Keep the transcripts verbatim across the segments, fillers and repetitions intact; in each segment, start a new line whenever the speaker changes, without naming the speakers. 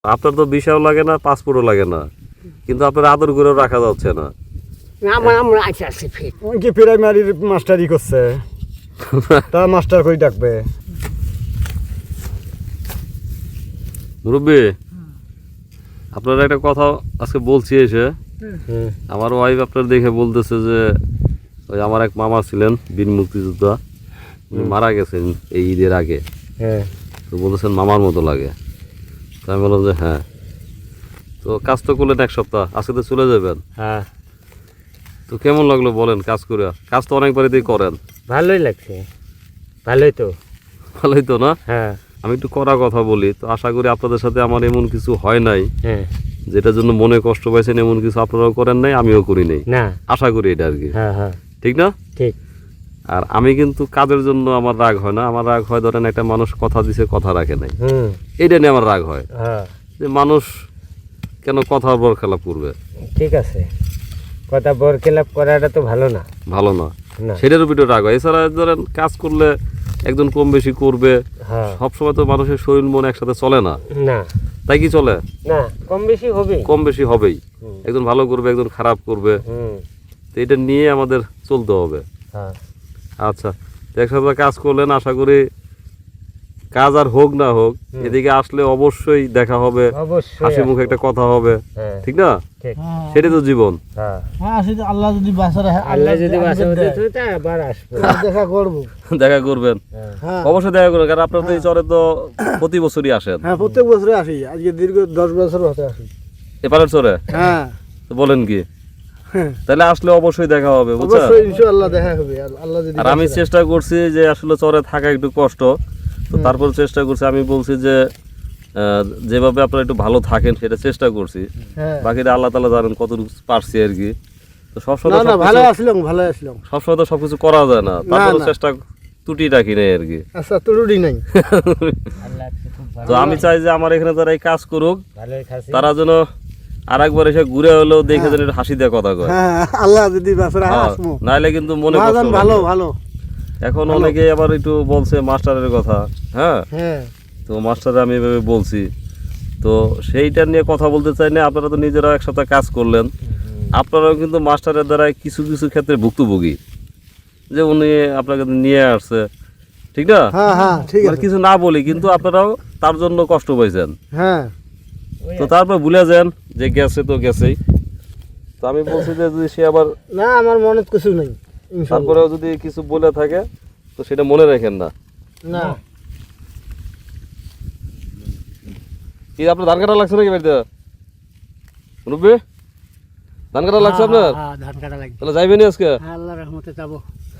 আপনার তো ভিসাও লাগে না, পাসপোর্টও লাগে না, কিন্তু আপনার আদর করেও রাখা যাচ্ছে না।
আমার আমরা আইসা আছে ফিট
ওই কি প্রাইমারির মাস্টারি করছে, তা মাস্টার কই ডাকবে?
মুরব্বী, আপনার একটা কথা আজকে বলছি এসে, আমার ওয়াইফ আপনার দেখে বলতেছে যে ওই আমার এক মামা ছিলেন বীর মুক্তিযোদ্ধা, উনি মারা গেছেন এই ঈদের আগে।
হ্যাঁ,
তো বলতেছেন মামার মতো লাগে। তো আমি বললাম যে হ্যাঁ, তো কাজ তো করলেন এক সপ্তাহ, আজকে তো চলে যাবেন।
হ্যাঁ,
তো কেমন লাগলো বলেন কাজ করে? কাজ তো অনেক বাড়িতেই করেন।
ভালোই লাগছে। ভালোই তো।
ভালোই তো না?
হ্যাঁ,
আমি একটু কড়া কথা বলি, তো আশা করি আপনাদের সাথে আমার এমন কিছু হয় নাই
হ্যাঁ,
যেটার জন্য মনে কষ্ট পাইছেন, এমন কিছু আপনারাও করেন নাই, আমিও করি নাই।
না,
আশা করি এটা আর কি।
হ্যাঁ, হ্যাঁ,
ঠিক না?
ঠিক।
আর আমি কিন্তু কাজের জন্য আমার রাগ হয় না, আমার রাগ হয় ধরেন একটা মানুষ কথা দিছে কথা রাখে নাই,
হুম,
এইটা নিয়ে আমার রাগ হয়
হ্যাঁ,
যে মানুষ কেন কথার বর খেলাপ করবে।
ঠিক আছে, কথা বর খেলাপ করাটা তো ভালো না।
ভালো না,
না,
সেটার উপরে রাগ হয়। এছাড়া ধরেন কাজ করলে একজন কম বেশি করবে,
হ্যাঁ,
সবসময় তো মানুষের শরীর মন একসাথে চলে না,
না,
তাই কি চলে?
না, কম বেশি হবে।
কম বেশি হবেই,
হুম,
একজন ভালো করবে একজন খারাপ করবে,
হুম,
তো এটা নিয়ে আমাদের চলতে হবে।
হ্যাঁ,
আচ্ছা, তো একসাথে কাজ করলেন, আশা করি কাজ আর হোক না হোক
হুম।
এদিকে আসলে অবশ্যই দেখা হবে,
অবশ্যই
হাসি মুখে একটা কথা হবে,
হ্যাঁ,
ঠিক না?
ঠিক।
সেটাই তো জীবন।
হ্যাঁ,
হ্যাঁ আসলে আল্লাহ যদি বাঁচা রাখে,
আল্লাহ যদি
আমাদের
বাঁচা
দেয়।
হতে তো আবার আসবো।
দেখা করবো।
দেখা করবেন,
হ্যাঁ,
হ্যাঁ,
অবশ্যই দেখা করবেন, কারণ আপনার তো এই চরে তো প্রতি বছরই আসেন।
হ্যাঁ প্রত্যেক বছরে আসি, আজকে দীর্ঘ দশ বছর হতে আসি।
এপারের চরে
হ্যাঁ,
তো বলেন কি,
হ্যাঁ,
তাহলে আসলে অবশ্যই দেখা হবে, বুঝছেন?
অবশ্যই ইনশাআল্লাহ দেখা হবে, আর আল্লাহ যদি
আর আমি
বাঁচা
চেষ্টা করছি যে আসলে চরে থাকা একটু কষ্ট, তো তারপর চেষ্টা করছি, আমি বলছি যে আহ, যেভাবে আপনারা একটু ভালো থাকেন সেটা চেষ্টা করছি,
রাখে। হ্যাঁ,
বাকিটা আল্লাহ তাআলা জানেন কতটুকু পারছি আর কি। তো
না
সবসময়
না
সবকিছু-
ভালো আসলাম, ভালো আসলাম।
সবসময় তো সবকিছু করা যায় না, তারপরে
না।
চেষ্টা ত্রুটি রাখি নাই আর কি।
আচ্ছা তুরুডি নাই।
আল্লাহ আজকে খুব ভালো।
তো আমি চাই যে আমার এখানে যারা এই কাজ করুক
ভালোই খাসি।
তারা যেন আর একবার এসে ঘুরে হলেও দেখে যেন একটু হাসি দিয়ে কথা কয়।
হ্যাঁ আল্লাহ যদি বাঁচা রাখে
হ্যাঁ,
আসমো।
নাইলে কিন্তু মনে কষ্ট
মহাজন
লাগবে।
ভালো ভালো।
এখন অনেকেই আবার একটু বলছে মাস্টারের কথা, হ্যাঁ,
হ্যাঁ,
তো মাস্টার আমি এভাবে বলছি, তো সেইটা নিয়ে কথা বলতে চাই না। আপনারা তো নিজেরাও এক সপ্তাহ কাজ করলেন, আপনারাও কিন্তু মাস্টারের দ্বারা কিছু কিছু ক্ষেত্রে ভুক্তভোগী, যে উনি আপনাকে নিয়ে আসছে, ঠিক না?
হ্যাঁ, হ্যাঁ ঠিক
মানে
আছে।
কিছু না বলি, কিন্তু আপনারাও তার জন্য কষ্ট পাইছেন,
হ্যাঁ,
তো তারপর ভুলে যান যে গেছে তো গেছেই। তো আমি বলছি যে যদি সে আবার
না আমার মনে কিছু নাই। ইনশাআল্লাহ।
তারপরেও যদি কিছু বলে থাকে তো সেটা মনে রাখেন না।
না
কি আপনার ধান কাটা লাগছে নাকি বাড়িতে? রুবি, ধান কাটা লাগছে আপনার?
হ্যাঁ ধান কাটা লাগবে।
তাহলে যাইবেনি আজকে?
হ্যাঁ আল্লাহর রহমতে যাবো।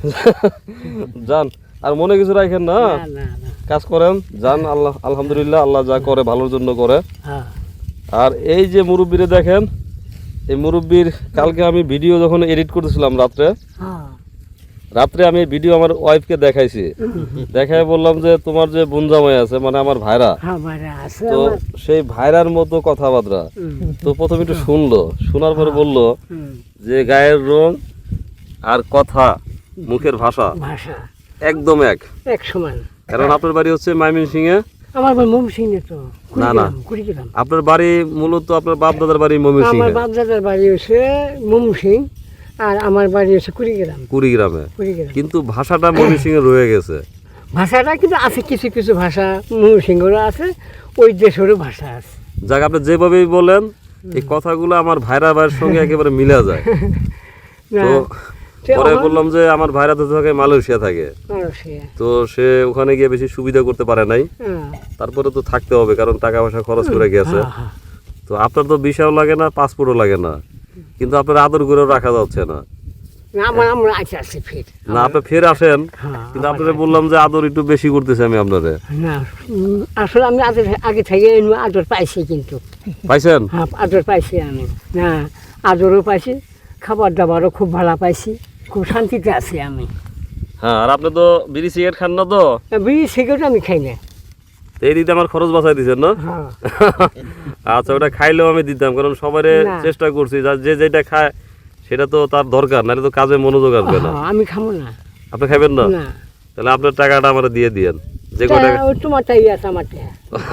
যান, আর মনে কিছু রাখেন না,
না না না।
কাজ করেন, যান। আল্লাহ আলহামদুলিল্লাহ, আল্লাহ যা করে ভালোর জন্য করে।
হ্যাঁ,
আর এই যে মুরব্বীরে দেখেন, এই মুরব্বীর কালকে আমি ভিডিও যখন এডিট করতেছিলাম রাত্রে,
হ্যাঁ,
রাত্রে আমি ভিডিও আমার ওয়াইফকে দেখাইছি, দেখাই বললাম যে তোমার যে বোন জামাই আছে মানে আমার ভাইরা,
হ্যাঁ বাইরে আছে
তো
আমার।
সেই ভাইরার মতো কথাবার্তা।
হুম,
তো প্রথমে একটু শুনলো, শোনার পরে বললো
হুম,
যে গায়ের রং আর কথা, মুখের ভাষা
ভাষা
একদম এক।
এক সমান।
কারণ আপনার বাড়ি হচ্ছে ময়মনসিংহে।
আমার বাড়ি ময়মনসিংহে তো।
না, না।
কুড়িগ্রাম, কুড়িগ্রাম।
আপনার বাড়ি মূলত আপনার বাপ দাদার বাড়ি
আমার
ময়মনসিংহে,
বাপদাদার বাড়ি হচ্ছে ময়মনসিং, আর আমার বাড়ি হচ্ছে কুড়িগ্রাম।
কুড়িগ্রামে,
কুড়িগ্রাম।
কিন্তু ভাষাটা ময়মনসিংহে রয়ে গেছে।
ভাষাটা কিন্তু আছে, কিছু কিছু ভাষা ময়মনসিংহেরও আছে, ওই দেশেরও ভাষা আছে।
যাক, আপনি যেভাবেই বলেন এই কথাগুলো আমার ভাইরা ভাইয়ের সঙ্গে একেবারে মিলে যায়।
না,
তো
সে
পরে
আমার-
বললাম যে আমার ভাইরা তো থাকে মালয়েশিয়া থাকে,
মালয়েশিয়া।
তো সে ওখানে গিয়ে বেশি সুবিধা করতে পারে নাই,
হ্যাঁ,
তারপরে তো থাকতে হবে কারণ টাকা পয়সা খরচ করে গেছে।
হ্যাঁ, হ্যাঁ।
তো আপনার তো ভিসাও লাগে না, পাসপোর্টও লাগে না, কিন্তু আপনার আদর করেও রাখা যাচ্ছে না।
না, আমার আমরা আইসা আছে ফির।
না, আপনি ফের আসেন,
হ্যাঁ,
কিন্তু আপনারা বললাম যে আদর একটু বেশি করতেছে আমি আপনারে।
না উম, আসলে আমি আগে আগে থেকে এই আদর পাইছি, কিন্তু
পাইছেন?
হ্যাঁ আদর পাইছি আমি। না, আদরও পাইছি, খাবার দাবারও খুব ভালো পাইছি, খুব শান্তিতে আছি আমি।
হ্যাঁ, আর আপনি তো বিড়ি সিগারেট খান না তো,
বিড়ি সিগারেট আমি খাই না।
তো এই দিতে আমার খরচ বাঁচাই দিচ্ছেন না?
হ্যাঁ,
আচ্ছা, ওটা খাইলেও আমি দিতাম, কারণ সবাই
না।
চেষ্টা করছি যা- যে যেটা খায় সেটা তো তার দরকার, নাহলে তো কাজে মনোযোগ আসবে না।
হ্যাঁ, আমি খাবো না।
আপনি খাবেন না?
না,
তাহলে আপনার টাকাটা আমার দিয়ে দিয়েন। যে কয় টাকা
ওই তোমারটাই আছে আমার টেহা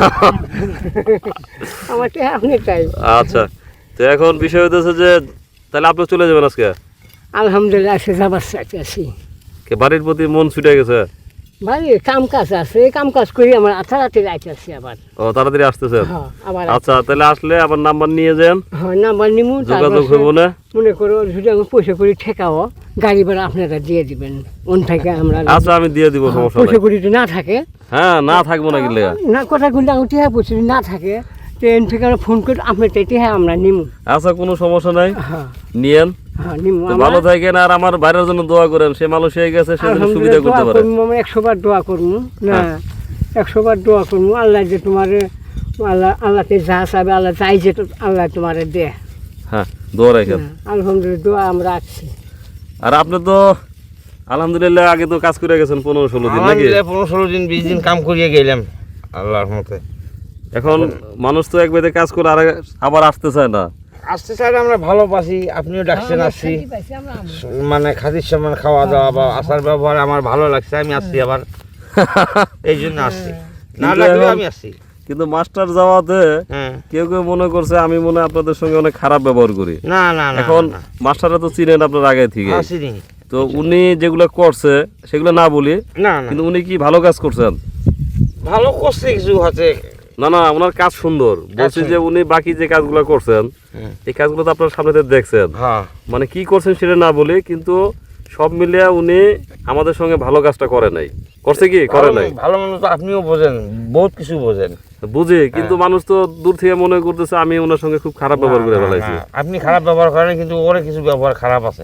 আমার টেহা অনেকটাই।
আচ্ছা, তো এখন বিষয় হতেছে যে তাহলে আপনি চলে যাবেন আজকে?
আলহামদুলিল্লাহ আজকে যাবার চাইতেছি।
কে বাড়ির প্রতি মন ছুটে গেছে?
ভাই কাম কাজ আছে, এই কাম কাজ করি আমরা তাড়াতাড়ি আইতেছি আবার।
ও তাড়াতাড়ি আসতেছেন?
হ্যাঁ আবার
আচ্ছা, তাহলে আসলে আবার নাম্বার নিয়ে যান,
হ্যাঁ নাম্বার নিমু,
যোগাযোগ হইব না?
মনে করো যদি আমি পয়সা করি ঠেকাও গাড়ি ভাড়া আপনারা দিয়ে দিবেন ওন থেকে আমরা।
আচ্ছা, আমি দিয়ে দিব, সমস্যা
পয়সা
নাই।
করি যদি না থাকে,
হ্যাঁ, না থাকবো না কিনলে?
না কথা কিন্তু আমি টেহা পয়সা যদি না থাকে ট্রেন থেকে আমরা ফোন করে আপনার টেহা আমরা নিমু।
আচ্ছা, কোনো সমস্যা নাই,
হ্যাঁ
নিয়েন।
হ্যাঁ নিমু।
তো ভালো থাকেন, আর আমার বাইরের জন্য দোয়া করেন, সে মালয়েশিয়ায় গেছে, সে যেন সুবিধা করতে পারে।
আমরা একশো বার দোয়া করবো না,
হ্যাঁ।
একশো বার দোয়া করবো আল্লাহ যে তোমার আল্লাহ আল্লাহকে যা চাবে আল্লাহ চাই যে আল্লাহ তোমার দে।
হ্যাঁ, দোয়া রাখেন।
হ্যাঁ, আলহামদুলিল্লাহ দোয়া আমরা রাখছি।
আর আপনি তো আলহামদুলিল্লাহ আগে তো কাজ করে গেছেন পনেরো ষোলো দিন নাকি?
আলহামদুলিল্লাহ পনেরো ষোলো দিন বিশ দিন কাম করিয়ে গেলাম আল্লাহর মতে।
এখন মানুষ তো এক বেদে কাজ করে আর আবার আসতে চায় না।
আসতে চাই আমরা ভালোবাসি, আপনিও ডাকছেন, আসছি মানে খাতির সামান খাওয়া দাওয়া বা আসার ব্যবহার আমার ভালো লাগছে, আমি আসছি আবার এই জন্য আসছি, না
কিন্তু
লাগলে
এখন-
আমি আসছি।
কিন্তু মাস্টার যাওয়াতে
হ্যাঁ,
কেউ কেউ মনে করছে আমি মনে হয় আপনাদের সঙ্গে অনেক খারাপ ব্যবহার করি।
না না না
এখন মাস্টাররা তো চিনেন আপনার আগে থেকে,
আসিনি,
তো উনি যেগুলো করছে সেগুলো না বলি,
না না
কিন্তু উনি কি ভালো কাজ করছেন?
ভালো করছে কিছু হাতে।
না না, ওনার কাজ সুন্দর, বলছি যে উনি বাকি যে কাজগুলো করছেন
হুম।
এই কাজগুলো তো আপনার সামনে থেকে দেখছেন,
হ্যাঁ,
মানে কি করছেন সেটা না বলি, কিন্তু সব মিলিয়ে উনি আমাদের সঙ্গে ভালো কাজটা করে নাই। করছে কি করে নাই?
ভালো মনে তো আপনিও বোঝেন, বহুত কিছু বোঝেন।
বুঝি, কিন্তু মানুষ তো দূর থেকে মনে করতেছে আমি ওনার সঙ্গে খুব খারাপ ব্যবহার করে
না, না,
ফেলাইছি।
না, আপনি খারাপ ব্যবহার করেন, কিন্তু ওরে কিছু ব্যবহার খারাপ আছে।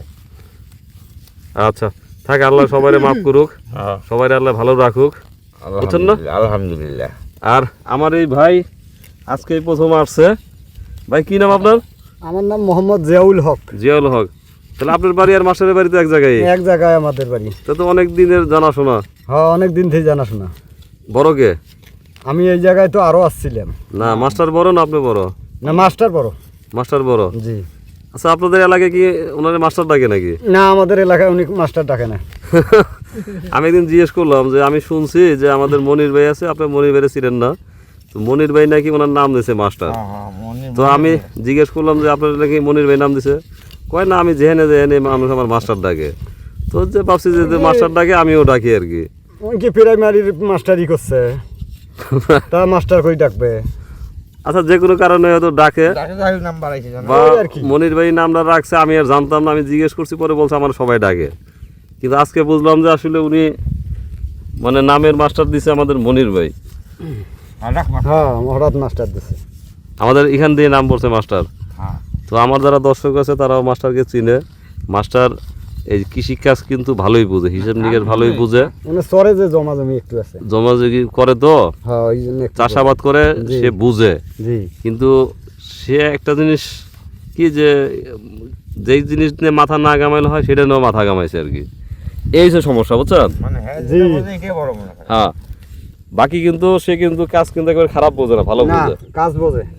আচ্ছা, থাক, আল্লাহ সবাইরে মাফ করুক,
হ্যাঁ,
সবাই আল্লাহ ভালো রাখুক, বুঝছেন না?
আলহামদুলিল্লাহ, আলহামদুলিল্লাহ।
আর আমার এই ভাই আজকে প্রথম আসছে। ভাই কি নাম আপনার?
আমার নাম মোহাম্মদ জিয়াউল হক।
জিয়াউল হক। তাহলে আপনার বাড়ি আর মাস্টারের বাড়ি তো এক জায়গায়,
এক জায়গায় আমাদের বাড়ি।
তা তো অনেক দিনের জানাশোনা।
হ্যাঁ, অনেক দিন থেকে জানাশোনা।
বড় কে?
আমি এই জায়গায় তো আরো আসছিলাম।
না, মাস্টার বড় না আপনি বড়?
না, মাস্টার বড়।
মাস্টার বড়।
জি।
আচ্ছা, আপনাদের এলাকায় কি ওনার মাস্টার ডাকে নাকি?
না, আমাদের এলাকায় উনি মাস্টার ডাকে না।
আমি একদিন জিজ্ঞেস করলাম যে আমি শুনছি যে আমাদের মনির ভাই আছে, আপনি মনির ভাইরে ছিলেন না, তো মনির ভাই নাকি ওনার নাম দিয়েছে মাস্টার। তো আমি জিজ্ঞেস করলাম যে আপনার নাকি মনির ভাই নাম দিছে, কয় না আমি যেহেনে যেহেনে মানুষ আমার মাস্টার ডাকে, তো যে ভাবছি যে মাস্টার ডাকে আমিও ডাকি আর কি।
ওই কি প্রাইমারির মাস্টারই করছে, তা মাস্টার কই ডাকবে?
আচ্ছা, যে কোনো কারণে হয়তো ডাকে বা
ওই আর কি।
মনির ভাই নামটা রাখছে, আমি আর জানতাম না, আমি জিজ্ঞেস করছি, পরে বলছে আমার সবাই ডাকে, কিন্তু আজকে বুঝলাম যে আসলে উনি মানে নামের মাস্টার দিছে আমাদের মনির ভাই।
হ্যাঁ, হঠাৎ মাস্টার দিছে।
আমাদের এখান দিয়ে নাম পড়ছে মাস্টার।
হ্যাঁ।
তো আমার যারা দর্শক আছে তারাও মাস্টারকে চিনে। মাস্টার এই কৃষি কাজ কিন্তু ভালোই বুঝে, হিসাব নিকেশ ভালোই বুঝে,
মানে চরে যে জমা জমি একটু আছে।
জমাজগি করে তো,
হ্যাঁ, ওই জন্য একটু
চাষাবাদ করে,
জি।
সে বুঝে।
জি।
কিন্তু সে একটা জিনিস কি, যে যেই জিনিস নিয়ে মাথা না গামাইলে হয় সেটা নিয়েও মাথা গামাইছে আর কি, এই যে সমস্যা, বুঝছেন?
জি।
হ্যাঁ, বাকি কিন্তু সে কিন্তু কাজ কিন্তু একবার খারাপ বোঝে না, ভালো
না,
বোঝে।
কাজ বোঝে।